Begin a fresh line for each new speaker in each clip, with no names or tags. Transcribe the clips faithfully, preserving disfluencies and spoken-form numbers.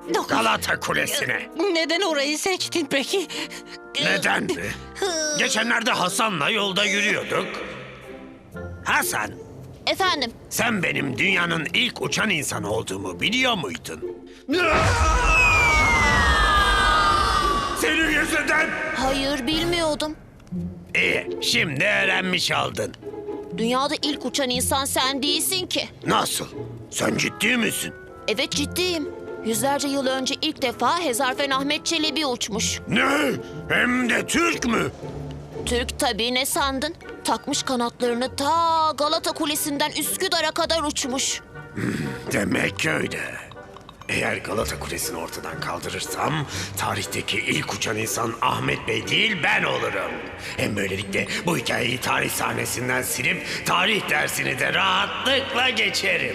Galata Kulesi'ne.
Neden orayı seçtin peki?
Neden mi? Geçenlerde Hasan'la yolda yürüyorduk. Hasan,
Efendim,
sen benim dünyanın ilk uçan insanı olduğumu biliyor muydun? Senin yüzünden.
hayır bilmiyordum.
İyi, şimdi öğrenmiş oldun.
Dünyada ilk uçan insan sen değilsin ki.
Nasıl? Sen ciddi misin?
Evet ciddiyim. Yüzlerce yıl önce ilk defa Hezarfen Ahmet Çelebi uçmuş.
Ne? Hem de Türk mü?
Türk tabii, ne sandın? Takmış kanatlarını ta Galata Kulesi'nden Üsküdar'a kadar uçmuş.
Demek öyle. Eğer Galata Kulesi'ni ortadan kaldırırsam tarihteki ilk uçan insan Ahmet Bey değil ben olurum. Hem böylelikle bu hikayeyi tarih sahnesinden silip tarih dersini de rahatlıkla geçerim.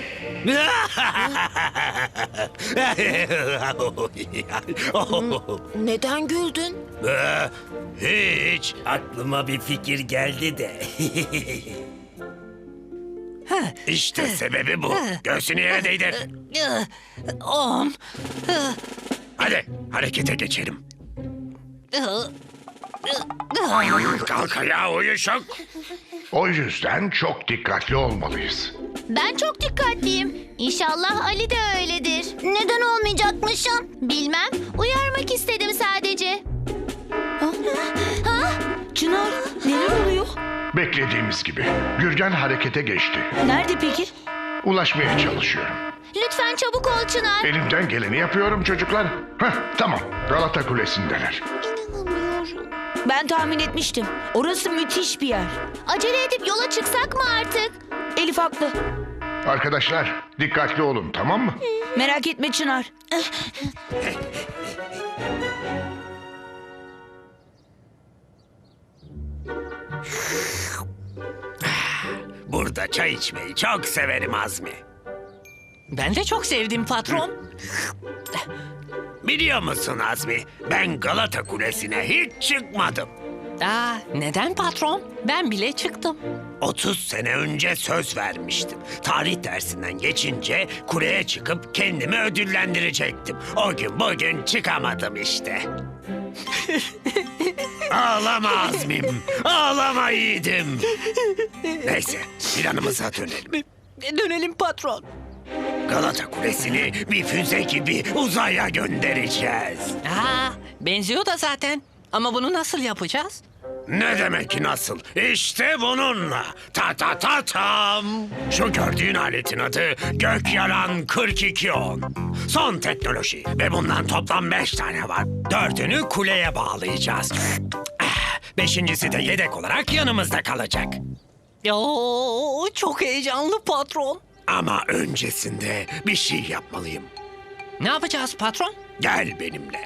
Neden güldün?
Hiç. Aklıma bir fikir geldi de. İşte sebebi bu. Göğsünü yere değdir.
On.
Hadi harekete geçelim. Kalk ayağa uyuşuk.
O yüzden çok dikkatli olmalıyız.
Ben çok dikkatliyim. İnşallah Ali de öyledir. Neden olmayacakmışım? Bilmem. Uyarmak istedim sadece.
Çınar, neler oluyor?
Beklediğimiz gibi. Gürgen harekete geçti.
Nerede peki?
Ulaşmaya çalışıyorum.
Lütfen çabuk ol Çınar.
Elimden geleni yapıyorum çocuklar. Heh, tamam. Galata Kulesi'ndeler.
Ben tahmin etmiştim. Orası müthiş bir yer.
Acele edip yola çıksak mı artık?
Elif haklı.
Arkadaşlar dikkatli olun, tamam mı?
Merak etme Çınar.
Burada çay içmeyi çok severim Azmi.
Ben de çok sevdim patron.
Biliyor musun Azmi? Ben Galata Kulesi'ne hiç çıkmadım.
Aa, neden patron? Ben bile çıktım.
otuz sene önce söz vermiştim. Tarih dersinden geçince kuleye çıkıp kendimi ödüllendirecektim. O gün bugün çıkamadım işte. Ağlama Azmim, ağlama yiğidim. Neyse, planımıza dönelim.
Dönelim patron.
Galata Kulesi'ni bir füze gibi uzaya göndereceğiz.
Aa, benziyor da zaten. Ama bunu nasıl yapacağız?
Ne demek nasıl? İşte bununla. Ta ta ta tam. Şu gördüğün aletin adı Gökyalan kırk iki on. Son teknoloji ve bundan toplam beş tane var. Dördünü kuleye bağlayacağız. Ah, Beşincisi de yedek olarak yanımızda kalacak.
Oo, çok heyecanlı patron.
Ama öncesinde bir şey yapmalıyım.
Ne yapacağız patron?
Gel benimle.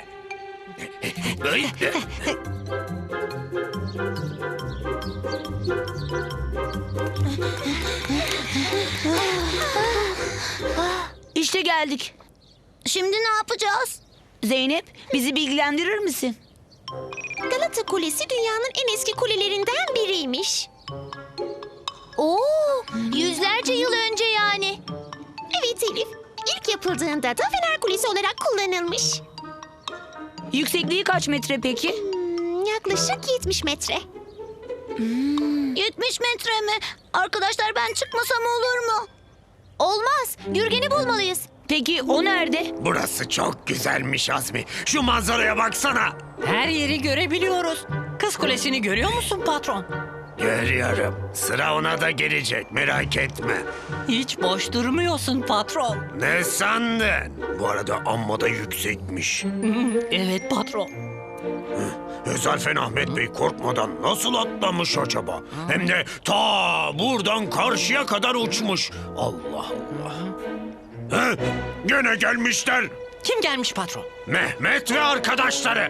İşte geldik.
Şimdi ne yapacağız?
Zeynep, bizi bilgilendirir misin?
Galata Kulesi dünyanın en eski kulelerinden biriymiş. Oo, yüzlerce yıl önce yani. Evet Elif. İlk yapıldığında da Fener Kulesi olarak kullanılmış.
Yüksekliği kaç metre peki?
Hmm, yaklaşık yetmiş metre. yetmiş metre mi? Arkadaşlar ben çıkmasam olur mu? Olmaz. Gürgen'i bulmalıyız.
Peki o nerede?
Burası çok güzelmiş Azmi. Şu manzaraya baksana.
Her yeri görebiliyoruz. Kız Kulesi'ni görüyor musun patron?
Görüyorum. Sıra ona da gelecek, merak etme.
Hiç boş durmuyorsun patron.
Ne sandın? Bu arada amma da yüksekmiş.
Evet patron.
Hezarfen Ahmet Bey korkmadan nasıl atlamış acaba? Hem de ta buradan karşıya kadar uçmuş. Allah Allah. He? Gene gelmişler.
Kim gelmiş patron?
Mehmet ve arkadaşları.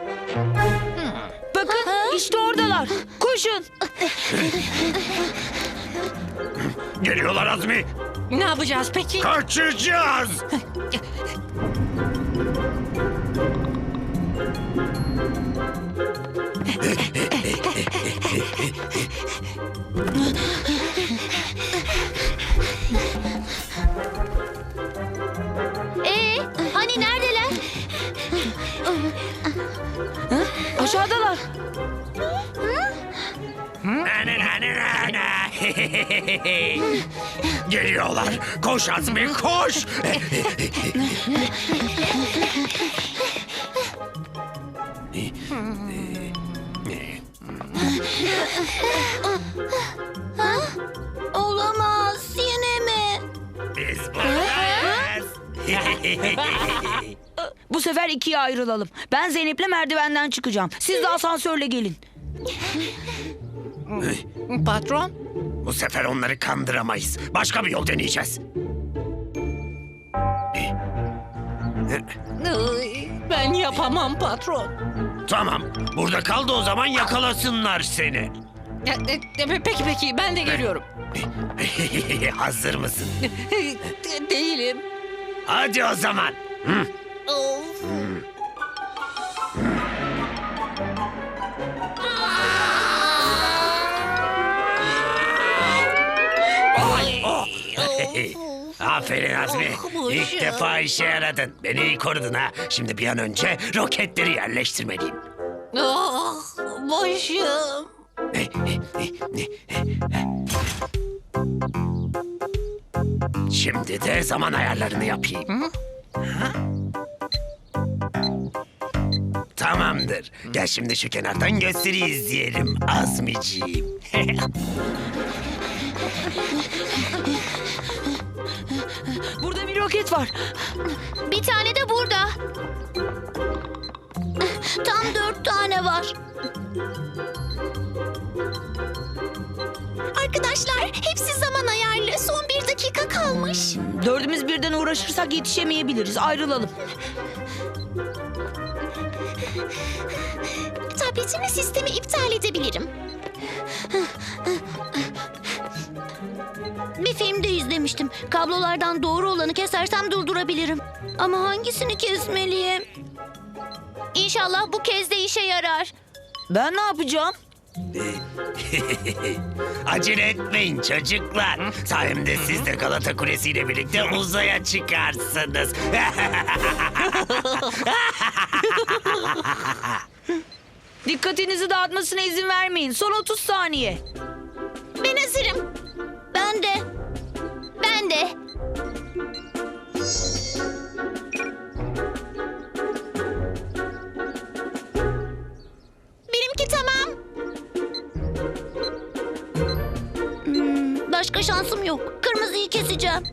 Bakın, işte oradalar. Koşun.
Geliyorlar Azmi.
Ne yapacağız peki?
Kaçacağız.
Ee, hani neredeler?
Hı? Aşağıdalar.
Na, na, na, na, na. Geliyorlar. Koş Azmi, koş.
Olamaz. Yine mi?
Biz buradayız.
Bu sefer ikiye ayrılalım. Ben Zeynep'le merdivenden çıkacağım. Siz de asansörle gelin.
Patron?
Bu sefer onları kandıramayız. Başka bir yol deneyeceğiz.
Iy, Ben yapamam patron.
Tamam. Burada kal da o zaman yakalasınlar seni.
E, e, e, Peki peki ben de geliyorum.
Hazır mısın?
De- Değilim.
Hadi o zaman. Hı.
Of.
Oh. Aferin Azmi. İlk defa işe yaradın. Beni iyi korudun ha. Şimdi bir an önce roketleri yerleştirmeliyim.
Ah, başım.
Şimdi de zaman ayarlarını yapayım. Tamamdır. Gel şimdi şu kenardan gösteri izleyelim Azmiciğim.
Burada bir roket var.
Bir tane de burada. Tam dört tane var. Arkadaşlar hepsi zaman ayarlı. Son bir dakika kalmış.
Dördümüz birden uğraşırsak yetişemeyebiliriz. Ayrılalım.
Tabletimi sistemi iptal edebilirim. Bir filmde izlemiştim. Kablolardan doğru olanı kesersem durdurabilirim. Ama hangisini kesmeliyim? İnşallah bu kez de işe yarar.
Ben ne yapacağım?
Acele etmeyin çocuklar. Sayemde siz de Galata Kulesi ile birlikte uzaya çıkarsınız.
Dikkatinizi dağıtmasına izin vermeyin. Son otuz saniye.
Ben hazırım. Ben de. Ben de. Benimki tamam. Hmm, başka şansım yok. Kırmızıyı keseceğim.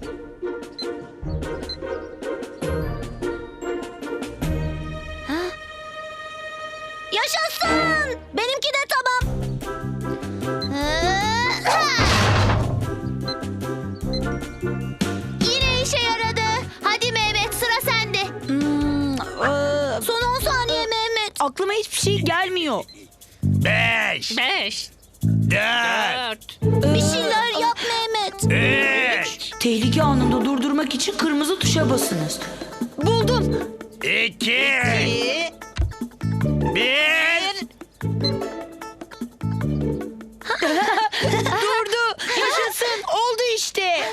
Ha? Yaşasın! Benimki de tamam. Ha! Yine işe yaradı. Hadi Mehmet sıra sende.
Hmm, ee,
Son on saniye Mehmet.
aklıma hiçbir şey gelmiyor.
Beş,
Beş,
dört,
dört,
Bir şeyler yap Mehmet.
üç,
Tehlike anında durdurmak için kırmızı tuşa basınız. Buldum.
iki,
iki,
bir.
Durdu. Yaşasın. Oldu işte.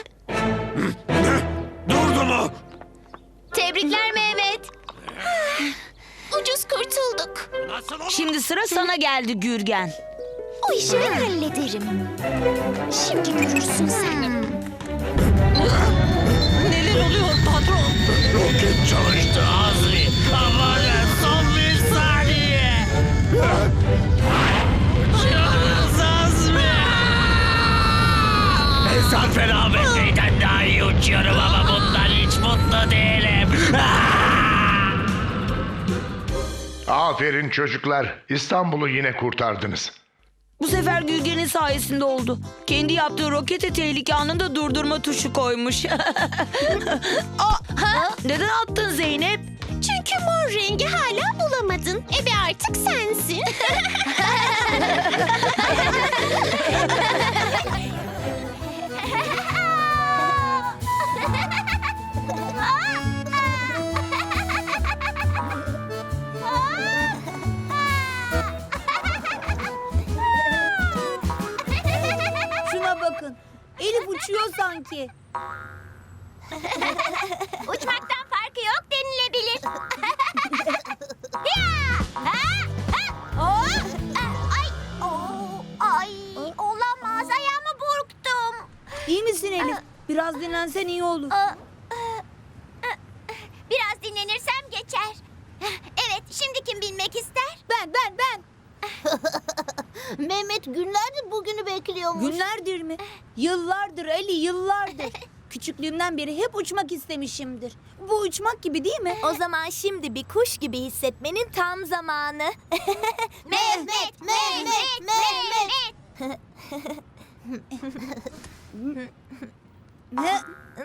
Durdu mu?
Tebrikler Mehmet. Ucuz kurtulduk.
Nasıl olur?
Şimdi sıra sana geldi Gürgen.
O işi ben hallederim. Şimdi görürsün sen.
neler oluyor patron?
Roket çalıştı Azmi. Aman son bir saniye. Uçuyoruz Azmi. Mesafe rahmetliyden daha iyi uçuyorum ama bundan hiç mutlu değilim.
Aferin çocuklar. İstanbul'u yine kurtardınız.
Bu sefer Gürgen'in sayesinde oldu. Kendi yaptığı rokete tehlike anında durdurma tuşu koymuş. Aa, ha? Neden attın Zeynep?
Çünkü mor rengi hala bulamadın. Ebe artık sensin.
Şuna bakın. Elif uçuyor sanki.
Uçmaktan farkı yok denilebilir. Ya! Ha!
dinlensen iyi olur.
Biraz dinlenirsem geçer. Evet, şimdi kim binmek ister?
Ben ben ben.
Mehmet günlerdir bugünü bekliyormuş.
Günlerdir mi? Yıllardır Ali, yıllardır. Küçüklüğümden beri hep uçmak istemişimdir. Bu uçmak gibi değil mi?
O zaman şimdi bir kuş gibi hissetmenin tam zamanı. Mehmet, Mehmet, Mehmet.
Ne?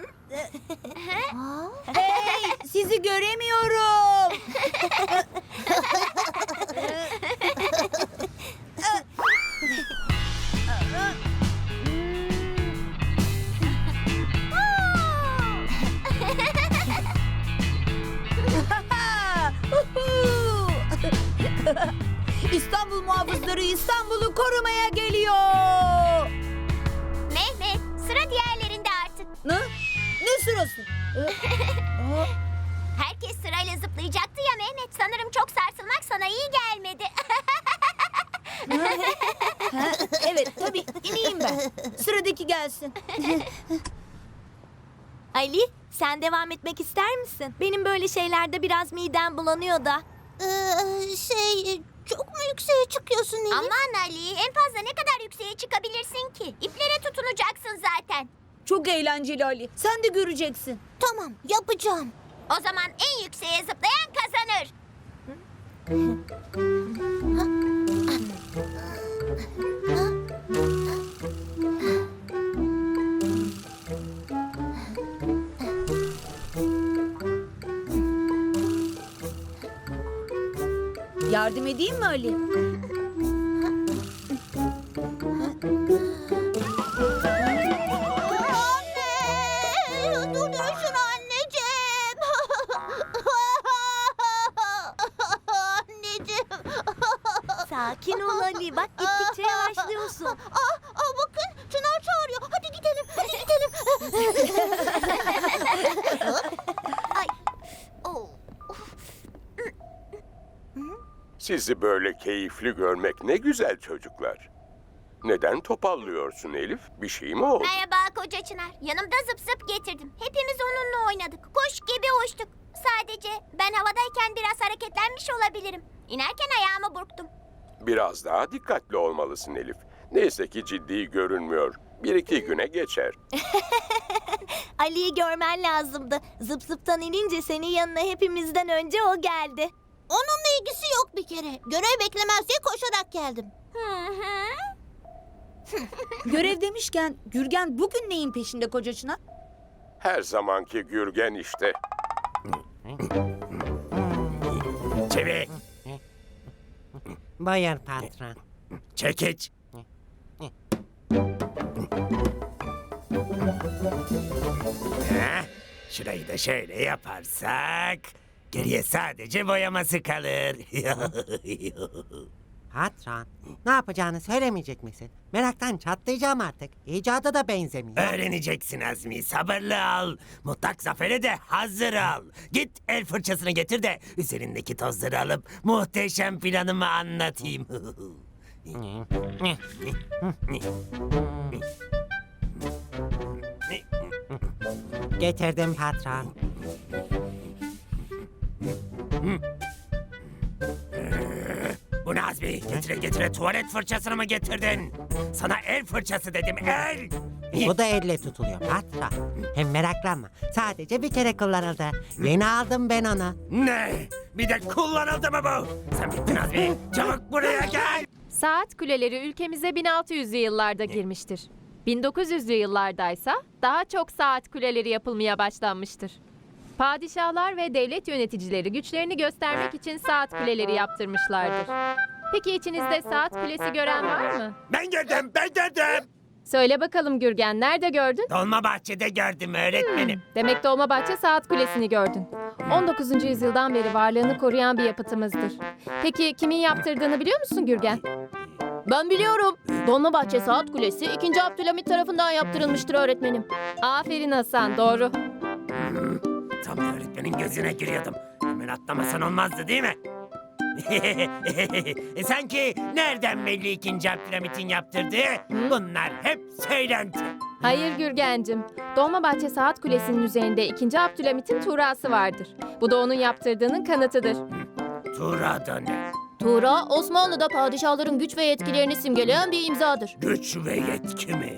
Hey, sizi göremiyorum. İstanbul muhafızları İstanbul'u korumaya geliyor.
Mehmet, sıra diğerlerinde artık.
Ne? Ne sırası?
Herkes sırayla zıplayacaktı ya Mehmet. Sanırım çok sarsılmak sana iyi gelmedi.
Ha, evet tabii ineyim ben. Sıradaki gelsin.
Ali, sen devam etmek ister misin? Benim böyle şeylerde biraz midem bulanıyor da. şey, çok mu yükseğe çıkıyorsun Elif? Aman Ali, en fazla ne kadar yükseğe çıkabilirsin ki? İplere tutunacaksın zaten.
Çok eğlenceli Ali. Sen de göreceksin.
Tamam, yapacağım. O zaman en yükseğe zıplayan kazanır.
Yardım edeyim mi Ali?
Anne! Duruşun anneciğim! Anneciğim! Sakin ol Ali. Bak gittikçe yavaşlıyorsun. Aa, aa, bakın Çınar çağırıyor. Hadi gidelim. Hadi gidelim. Ay. Oh.
Sizi böyle keyifli görmek ne güzel çocuklar. Neden topallıyorsun Elif? Bir şey mi oldu?
Merhaba koca Çınar. Yanımda zıp zıp getirdim. Hepimiz onunla oynadık. Kuş gibi uçtuk. Sadece ben havadayken biraz hareketlenmiş olabilirim. İnerken ayağımı burktum.
Biraz daha dikkatli olmalısın Elif. Neyse ki ciddi görünmüyor. Bir iki güne geçer.
Ali'yi görmen lazımdı. Zıp zıptan inince senin yanına hepimizden önce o geldi. Onunla ilgisi yok bir kere. Görev beklemez diye koşarak geldim. Hı hı.
Görev demişken Gürgen bugün neyin peşinde koca Çınar?
Her zamanki Gürgen işte.
Çevik,
Buyur patron.
çekiç. Heh, şurayı da şöyle yaparsak geriye sadece boyaması kalır.
Patron, ne yapacağını söylemeyecek misin? Meraktan çatlayacağım artık. İcada da benzemiyor.
Öğreneceksin Azmi, sabırlı ol. Mutlak zafere de hazır ol. Git el fırçasını getir de üzerindeki tozları alıp muhteşem planımı anlatayım.
Getirdim patron.
Bu ne Azmi? Getire getire tuvalet fırçasını mı getirdin? Sana el fırçası dedim, el!
Bu da elle tutuluyor patron. Hem meraklanma. Sadece bir kere kullanıldı. Yeni aldım ben onu.
Ne? Bir de kullanıldı mı bu? Sen bittin Azmi. Çabuk buraya gel.
Saat kuleleri ülkemize bin altı yüzlü yıllarda girmiştir. bin dokuz yüzlü yıllardaysa daha çok saat kuleleri yapılmaya başlanmıştır. Padişahlar ve devlet yöneticileri güçlerini göstermek için saat kuleleri yaptırmışlardır. Peki içinizde saat kulesi gören var mı?
Ben gördüm, ben gördüm.
Söyle bakalım Gürgen, nerede gördün?
Dolmabahçe'de gördüm öğretmenim.
Demek Dolmabahçe Saat Kulesi'ni gördün. on dokuzuncu yüzyıldan beri varlığını koruyan bir yapıtımızdır. Peki kimin yaptırdığını biliyor musun Gürgen? Ben biliyorum. Dolmabahçe Saat Kulesi ikinci. Abdülhamit tarafından yaptırılmıştır öğretmenim. Aferin Hasan, doğru.
Tam da öğretmenin gözüne giriyordum. Hemen atlamasan olmazdı değil mi? e sanki nereden belli ikinci Abdülhamit'in yaptırdığı? Bunlar hep söylenti.
Hayır Gürgencim. Dolmabahçe Saat Kulesi'nin üzerinde ikinci Abdülhamit'in tuğrası vardır. Bu da onun yaptırdığının kanıtıdır.
Tuğra da ne?
Tuğra, Osmanlı'da padişahların güç ve yetkilerini simgeleyen bir imzadır.
Güç ve yetki mi?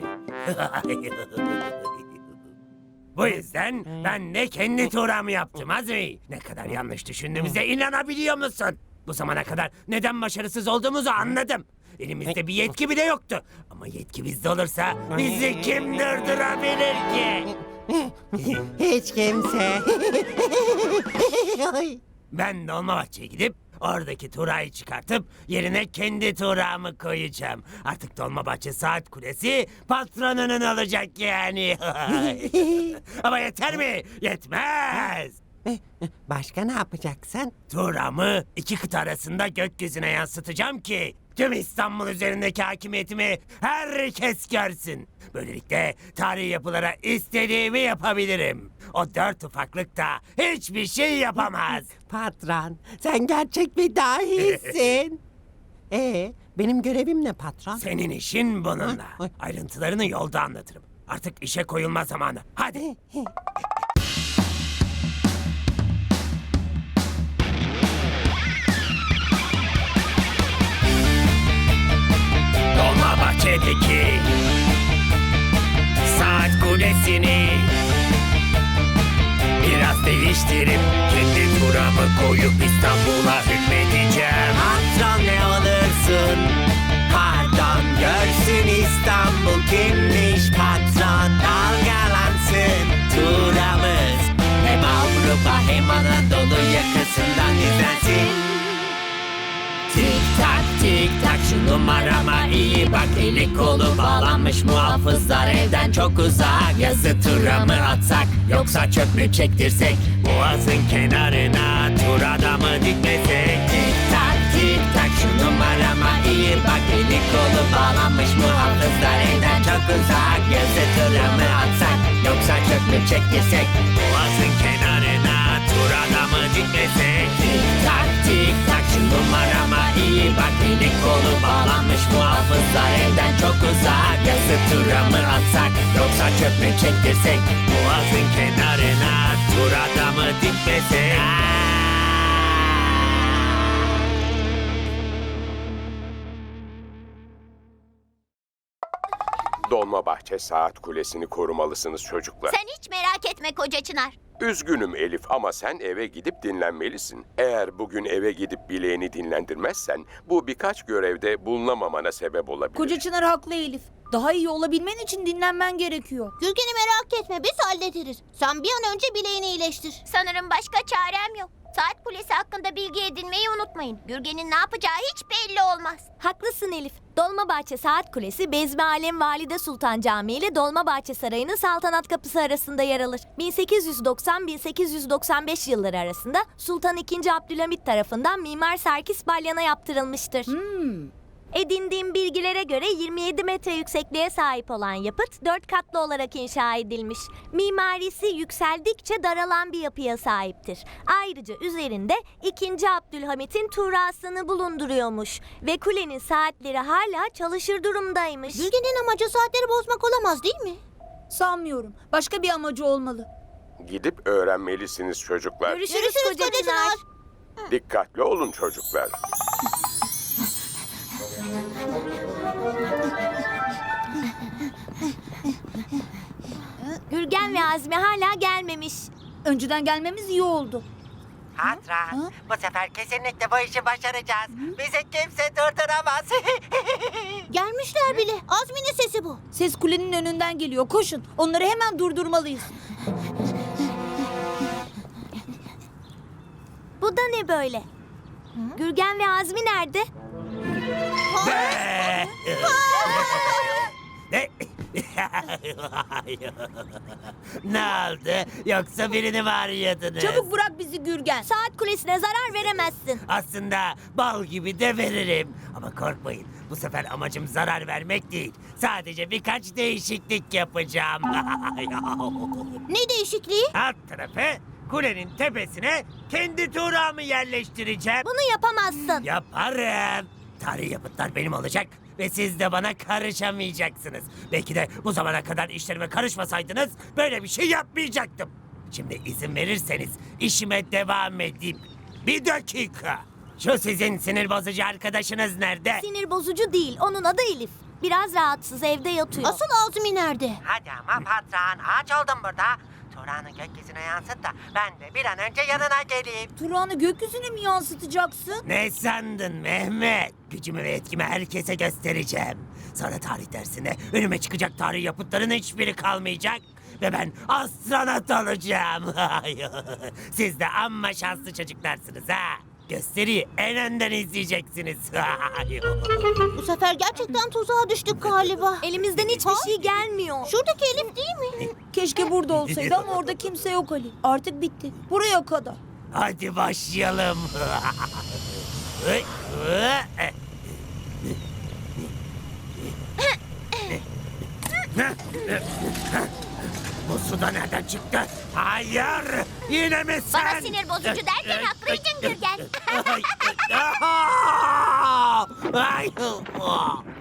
Bu yüzden ben de kendi tuğramı yaptım Azmi. Ne kadar yanlış düşündüğümüze inanabiliyor musun? Bu zamana kadar neden başarısız olduğumuzu anladım. Elimizde bir yetki bile yoktu. Ama yetki bizde olursa bizi kim durdurabilir ki?
Hiç kimse.
Ben Dolmabahçe'ye gidip oradaki tuğrayı çıkartıp yerine kendi tuğramı koyacağım. Artık Dolmabahçe Saat Kulesi patronunun olacak yani. Ama yeter mi? Yetmez.
Başka ne yapacaksın?
Tuğramı iki kıta arasında gökyüzüne yansıtacağım ki tüm İstanbul üzerindeki hakimiyetimi herkes görsün. Böylelikle tarihi yapılara istediğimi yapabilirim. O dört ufaklık da hiçbir şey yapamaz.
Patron, sen gerçek bir dahisin. Ee, benim görevim ne patron?
Senin işin bununla.
Ay, ay.
Ayrıntılarını yolda anlatırım. Artık işe koyulma zamanı. Hadi. Dolmabahçe'deki saat kulesini biraz değiştirip kendi turamı koyup İstanbul'a hükmedeceğim.
Patron ne olursun? Pardon, görsün İstanbul kimmiş patron. Dalgalansın turamız. Hem Avrupa hem Anadolu yakasından izlensin.
Tik tak tik tak şu numarama iyi bak. Eli kolu bağlanmış muhafızlar evden çok uzak. Yazı tura mı atsak yoksa çöp mü çektirsek? Boğazın kenarına tur adamı dikmesek. Tik tak tik tak şu numarama iyi bak. Eli kolu bağlanmış muhafızlar evden çok uzak. Yazı tura mı atsak yoksa çöp mü çektirsek? Boğazın kenarına tur adamı dikmesek. Tik tak tik tak şu numarama iyi bak. Eli kolu bağlanmış muhafızlar evden çok uzak. Yazı tura mı atsak yoksa çöp mü çektirsek? Boğazın kenarına tur adamı dikmesek.
Dolmabahçe Saat Kulesi'ni korumalısınız çocuklar.
Sen hiç merak etme koca Çınar.
Üzgünüm Elif ama sen eve gidip dinlenmelisin. Eğer bugün eve gidip bileğini dinlendirmezsen bu birkaç görevde bulunamamana sebep olabilir.
Koca Çınar haklı Elif. Daha iyi olabilmen için dinlenmen gerekiyor.
Gürgen'i merak etme, biz hallederiz. Sen bir an önce bileğini iyileştir. Sanırım başka çarem yok. Saat Kulesi hakkında bilgi edinmeyi unutmayın. Gürgen'in ne yapacağı hiç belli olmaz.
Haklısın Elif. Dolmabahçe Saat Kulesi, Bezmi Alem Valide Sultan Camii ile Dolmabahçe Sarayı'nın Saltanat Kapısı arasında yer alır. bin sekiz yüz doksan bin sekiz yüz doksan beş yılları arasında Sultan ikinci. Abdülhamit tarafından Mimar Serkis Balyan'a yaptırılmıştır.
Hmm.
Edindiğim bilgilere göre yirmi yedi metre yüksekliğe sahip olan yapıt dört katlı olarak inşa edilmiş. Mimarisi yükseldikçe daralan bir yapıya sahiptir. Ayrıca üzerinde ikinci. Abdülhamit'in tuğrasını bulunduruyormuş ve kulenin saatleri hala çalışır durumdaymış.
Gürgen'in amacı saatleri bozmak olamaz değil mi?
Sanmıyorum. Başka bir amacı olmalı.
Gidip öğrenmelisiniz çocuklar.
Görüşürüz,
Görüşürüz
koca
koca
Çınar.
Çınar.
Dikkatli olun çocuklar.
Gürgen ve Azmi hala gelmemiş.
Önceden gelmemiz iyi oldu.
Patron, bu sefer kesinlikle bu işi başaracağız. Bizi kimse durduramaz.
Gelmişler bile. Azmi'nin sesi bu.
Ses kulenin önünden geliyor. Koşun. Onları hemen durdurmalıyız.
Bu da ne böyle? Gürgen ve Azmi nerede?
Ne? Ne oldu? Yoksa birini mi arıyordunuz?
Çabuk bırak bizi Gürgen.
Saat kulesine zarar veremezsin.
Aslında bal gibi de veririm. Ama korkmayın. Bu sefer amacım zarar vermek değil. Sadece birkaç değişiklik yapacağım.
Ne değişikliği?
Alt tarafı kulenin tepesine kendi tuğramı yerleştireceğim.
Bunu yapamazsın.
Yaparım. Tarihi yapıtlar benim olacak
ve siz de bana karışamayacaksınız. Belki de bu zamana kadar işlerime karışmasaydınız böyle bir şey yapmayacaktım. Şimdi izin verirseniz işime devam edeyim. Bir dakika. Şu sizin sinir bozucu arkadaşınız nerede?
Sinir bozucu değil, onun adı Elif. Biraz rahatsız, evde yatıyor.
Asıl Azmi nerede?
Hadi ama patron, ağaç oldum burada. Turan'ı gökyüzüne yansıt da ben de bir an önce yanına geleyim.
Turan'ı gökyüzüne mi yansıtacaksın?
Ne sandın Mehmet? Gücümü ve etkimi herkese göstereceğim. Sonra tarih dersinde önüme çıkacak tarih yapıtların hiçbiri kalmayacak. Ve ben astronot olacağım. Siz de amma şanslı çocuklarsınız ha. Gösteriyi en önden izleyeceksiniz.
Bu sefer gerçekten tuzağa düştük galiba.
Elimizden hiçbir şey gelmiyor.
Şuradaki Elif değil mi?
Keşke burada olsaydı ama orada kimse yok Ali. Artık bitti. Buraya kadar.
Hadi başlayalım. Bu suda nereden çıktı? Hayır! Yine mi sen?
Bana sinir bozucu derken haklıydın Gürgen.
Ay, ay, ay.